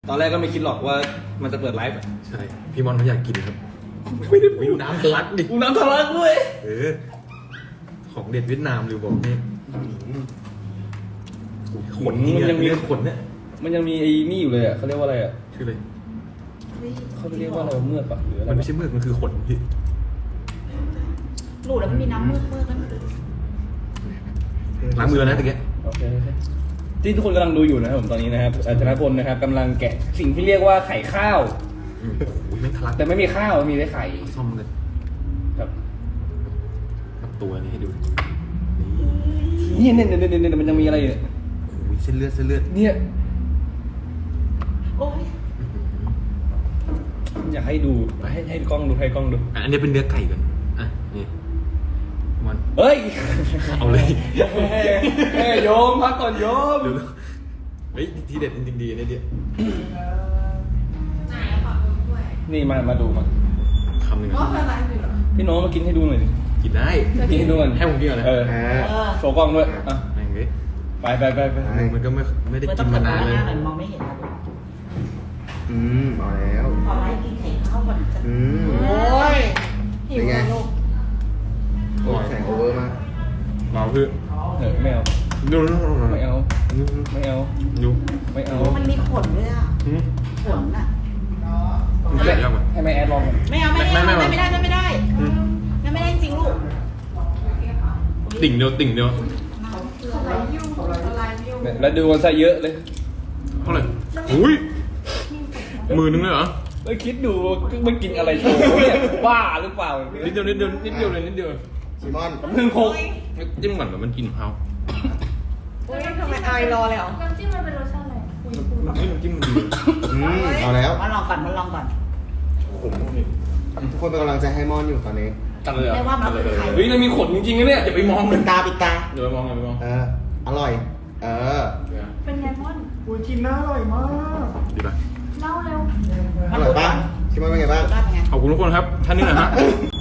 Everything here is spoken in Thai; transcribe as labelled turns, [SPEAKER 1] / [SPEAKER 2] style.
[SPEAKER 1] ตอนแรกก็ไม่คิดหรอกว่ามันจะเปิดไลฟ์
[SPEAKER 2] ใช่พี่มอนเขาอยากกินครับไม่ได้ดูน้ำทะลักดิ
[SPEAKER 1] กูน้ำทะลักด้วย
[SPEAKER 2] ของเด็ดเวียดนามหรือบอกนี่ขน
[SPEAKER 1] มันยังมี
[SPEAKER 2] ขนเนี่ย
[SPEAKER 1] มันยังมีไอ้นี่อยู่เลยอ่ะเขาเรียกว่าอะไรอ่ะ
[SPEAKER 2] ชื่ออะไร
[SPEAKER 1] เขาเรียกว่าอะไรเมือกปะหรืออะไร
[SPEAKER 2] มันไม่ใช่เมือกมันคือขนพี่
[SPEAKER 3] หนูแล้วมันมีน้ำเมือกนั่น
[SPEAKER 2] ล้างมือแล้วนะตะเกียบ
[SPEAKER 1] โอเคที่ทุกคนกำลังดูอยู่นะครับผมตอนนี้นะครับธนพลนะครับกำลังแกะสิ่งที่เรียกว่าไข่ข้าว
[SPEAKER 2] โอ้ยไม่ทะลัก
[SPEAKER 1] แต่ไม่มีข้าวมีแต่ไข่
[SPEAKER 2] ซ่อมเลย
[SPEAKER 1] ครับ
[SPEAKER 2] กับตัวนี้ให้ดู
[SPEAKER 1] นี่เนี่ยมันยังมีอะไรเนี่ย
[SPEAKER 2] โอ้ยเส้นเลือด
[SPEAKER 1] เนี่ย
[SPEAKER 3] โอ้ย
[SPEAKER 1] อยากให้ดูให้กล้องดูให้กล้องดู
[SPEAKER 2] อันนี้เป็นเนื้อไก่ก่อนอ่ะนี่มัน
[SPEAKER 1] เฮ้ย
[SPEAKER 2] เอาเลย
[SPEAKER 1] เฮ้ยโยมพักก่อนโยม
[SPEAKER 2] เร็วเฮ้ยทีเด็ดจริงๆดีเนี่ยเดียว
[SPEAKER 3] ไหนอะฝากคนด้วย
[SPEAKER 1] นี่มาดูมา
[SPEAKER 2] คำหนึ่ง
[SPEAKER 3] ว่าเป็นอะไรอยู่เหรอ
[SPEAKER 1] พี่น้องมากินให้ดูหน่อยดิ
[SPEAKER 2] กินได้
[SPEAKER 1] กินให้ดูกัน
[SPEAKER 2] ให้ผมกินก่อนนะ
[SPEAKER 1] เออโชว์กล้องด้วยอ่ะ
[SPEAKER 2] แม่งเลย
[SPEAKER 1] ไป
[SPEAKER 2] มันก็ไม่ได้
[SPEAKER 3] มันต้
[SPEAKER 2] กิ
[SPEAKER 3] อน ง
[SPEAKER 2] มา
[SPEAKER 3] เปิดห
[SPEAKER 2] นานเลย
[SPEAKER 3] น้าหน่อยมองไม่เห็นนะ
[SPEAKER 4] เอาแล้ว
[SPEAKER 3] ขอไลฟ์กินไข่ข้าวก่อนจะ
[SPEAKER 4] โอ้
[SPEAKER 3] โอ้ยหิวเลยลูก
[SPEAKER 4] โอ้แสงโอเวอร์มาก
[SPEAKER 2] มาเพื่อ
[SPEAKER 1] เออไม่เอา
[SPEAKER 2] ดู
[SPEAKER 1] ไม่เอาไม่เอา
[SPEAKER 2] ดู
[SPEAKER 1] ไม่เอา
[SPEAKER 3] มันมีขนด้วยอ่ะขนอ่ะ
[SPEAKER 2] มันแกะยากกว่า
[SPEAKER 1] ให้แม่แอดลองก่อน
[SPEAKER 3] ไม่เอาไม่ได้จริงลูก
[SPEAKER 2] ติ่งเดียว
[SPEAKER 1] เนี่ยแล้วดูกันซะเยอะเลย
[SPEAKER 2] เท่าไหร่อุ้ยมือนึงเลยเหรอ
[SPEAKER 1] เฮ้ยคิดดูมันกินอะไรโชว์เนี่ยบ้าหรือเปล่า
[SPEAKER 2] นิดเดียวเลยนิดเดียว
[SPEAKER 4] ซิมอน
[SPEAKER 1] หนึ่งหก
[SPEAKER 2] จิ้มก่อนแบบมันกินเผา
[SPEAKER 3] โอ้ยทำไมอายรอเลยเหรอ
[SPEAKER 5] น้ำจิ้มมันเป็นรสชาติอะไร
[SPEAKER 2] น้ำจิ้มมันดี
[SPEAKER 4] เอาแล้ว
[SPEAKER 3] มาลองก่อน
[SPEAKER 4] ทุกคนเป็นกำลังใจให้มอนอยู่ตอนนี้
[SPEAKER 2] ตัดเลยเหรอ
[SPEAKER 3] ไม่ว่ามันเป็นไข่
[SPEAKER 1] เฮ้ยมันมีขนจริงๆนะเนี่ย
[SPEAKER 2] อย่าไปมอง
[SPEAKER 4] ปิ
[SPEAKER 2] มัน
[SPEAKER 4] ดตาปิดตา
[SPEAKER 2] อย่าไปมอง
[SPEAKER 4] อร่อย
[SPEAKER 5] เป็นไงม่อน
[SPEAKER 2] ดีป่ะ
[SPEAKER 5] เล่าเร็ว
[SPEAKER 4] อร่อยป่ะซิมอนเป็นไงบ้าง
[SPEAKER 3] ได้เป็นไง
[SPEAKER 2] ขอบคุณทุกคนครับท่านนี้นะฮะ